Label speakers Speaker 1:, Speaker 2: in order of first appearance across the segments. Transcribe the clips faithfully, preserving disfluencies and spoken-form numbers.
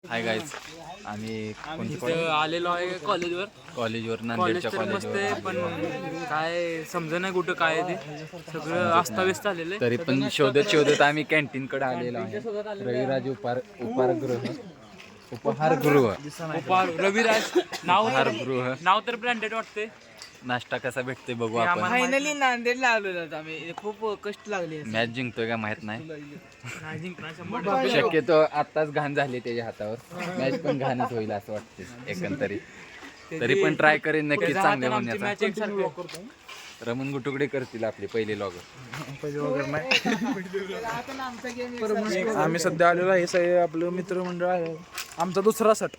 Speaker 1: Hi guys, आम्ही कोणती
Speaker 2: इथं आलेलो आहे कॉलेजवर.
Speaker 1: कॉलेजवर
Speaker 2: कॉलेज
Speaker 1: नांदेडच्या
Speaker 2: तर मस्त आहे,
Speaker 1: कॉलेजवर
Speaker 2: पण काय समजा नाही कुठं काय आहे ते. सगळं अस्ताव्यस्त आलेलं आहे.
Speaker 1: तरी पण शोधत शोधत आम्ही कॅन्टीन कडे आलेलो आहे. रविराज उपार उपारगृह उपहारगृह
Speaker 2: उपार रविराज नाव
Speaker 1: उपहारगृह
Speaker 2: नाव तर ब्रँडेड वाटते.
Speaker 1: नाश्ता कसा भेटते बघू आपण.
Speaker 3: फायनली नांदेडला आलेलो आहोत आम्ही. खूप कष्ट लागले.
Speaker 1: मॅच जिंकतोय का माहित नाही.
Speaker 2: नाही जिंकणार शंभर टक्के.
Speaker 1: शक्यतो आताच घाण झाली त्याच्या हातावर. मॅच पण घाणच होईल असं वाटते एकंदरीत. तरी पण ट्राय करेन नक्की चांगले
Speaker 2: आमची मॅच
Speaker 1: होण्याचा.
Speaker 2: एकसारखी.
Speaker 1: रमण गुटुकडे करतील आपले पहिले लॉगर.
Speaker 4: आम्ही सध्या आलेलो आहे, सगळे आपलं मित्रमंडळ आहे. आमचा दुसरा सट.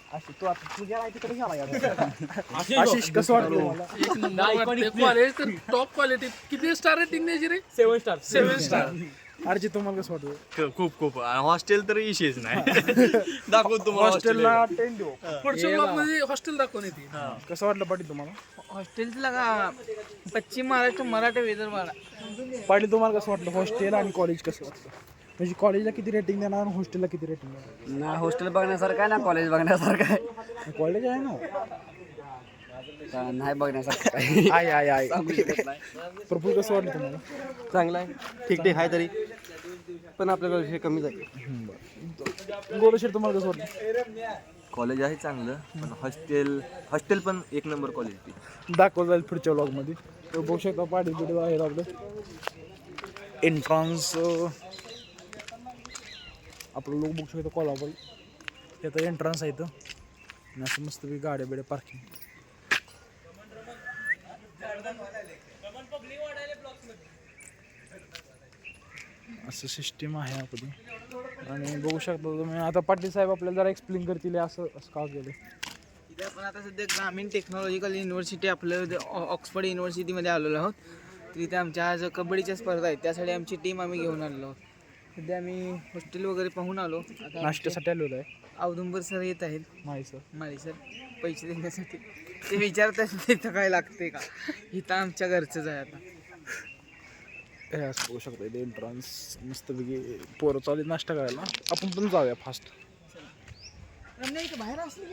Speaker 4: आशिष कसं वाटलं?
Speaker 5: कॉलेज तर टॉप क्वालिटी. किती स्टार रेटिंग द्यायची रे?
Speaker 2: Seven star
Speaker 5: seven star.
Speaker 4: Arjit तुम्हाला कसं वाटलं?
Speaker 6: खूप खूप हॉस्टेल तर इशेच नाही. दाखवतो तुम्हाला
Speaker 4: हॉस्टेलला टेन देऊ.
Speaker 5: पुढच्या ब्लॉग मध्ये हॉस्टेल दाखवून येते.
Speaker 4: कसं वाटलं पाटील तुम्हाला?
Speaker 3: हॉस्टेलला का पश्चिम महाराष्ट्र मराठा विदर्भाला.
Speaker 4: पाटील तुम्हाला कसं वाटलं? हॉस्टेल आणि कॉलेज कसं वाटलं? म्हणजे कॉलेजला किती रेटिंग देणार आणि हॉस्टेलला किती रेटिंग देणार?
Speaker 3: ना हॉस्टेल बघण्यासारखं आहे ना कॉलेज बघण्यासारखं आहे.
Speaker 4: कॉलेज आहे ना,
Speaker 3: नाही बघण्यासारखं आहे.
Speaker 4: आहे आहे आहे. प्रफुल कसं वाटलं तुम्हाला?
Speaker 6: चांगला आहे, ठीक ठीक आहे, तरी पण आपल्याकडे विषय कमीच आहे.
Speaker 4: गोलशेर तुम्हाला कसं वाटलं?
Speaker 6: कॉलेज आहे चांगलं, पण हॉस्टेल हॉस्टेल पण एक नंबर क्वालिटी.
Speaker 4: दाखवलं जाईल पुढच्या व्लॉगमध्ये. तर बघू शकता पाटील बिडील आहे आपलं एंट्रन्स. आपलं लोक बघू शकतो कोल्हापूर. त्याचं एंट्रन्स आहे इथं. आणि असं मस्तपैकी गाड्या बिड्या पार्किंग. असं सिस्टीम आहे आपली. आणि बघू शकता तुम्ही आता पाटील साहेब आपल्याला जरा एक्सप्लेन करतील असं असं का केलं.
Speaker 3: इथे आपण आता सध्या ग्रामीण टेक्नॉलॉजिकल युनिव्हर्सिटी आपलं ऑक्सफर्ड युनिव्हर्सिटीमध्ये आलेलो आहोत. तर इथे आमच्या आज कबड्डीच्या स्पर्धा आहेत, त्यासाठी आमची टीम आम्ही घेऊन आलेलो आहोत. सध्या आम्ही हॉस्टेल वगैरे पाहून आलो. आता
Speaker 4: नाश्त्यासाठी आलेलो आहे.
Speaker 3: औदुंबर सर येत आहेत.
Speaker 4: नाही सर,
Speaker 3: माळी सर पैसे देण्यासाठी ते विचारतात इथं काय लागते का. इथं आमच्या घरचंच आहे. आता
Speaker 4: हे असं बघू शकता इथे एंट्रन्स मस्तपैकी पोरं चालेल नाश्ता करायला. आपण पण जाऊया फास्ट.
Speaker 3: बाहेर असली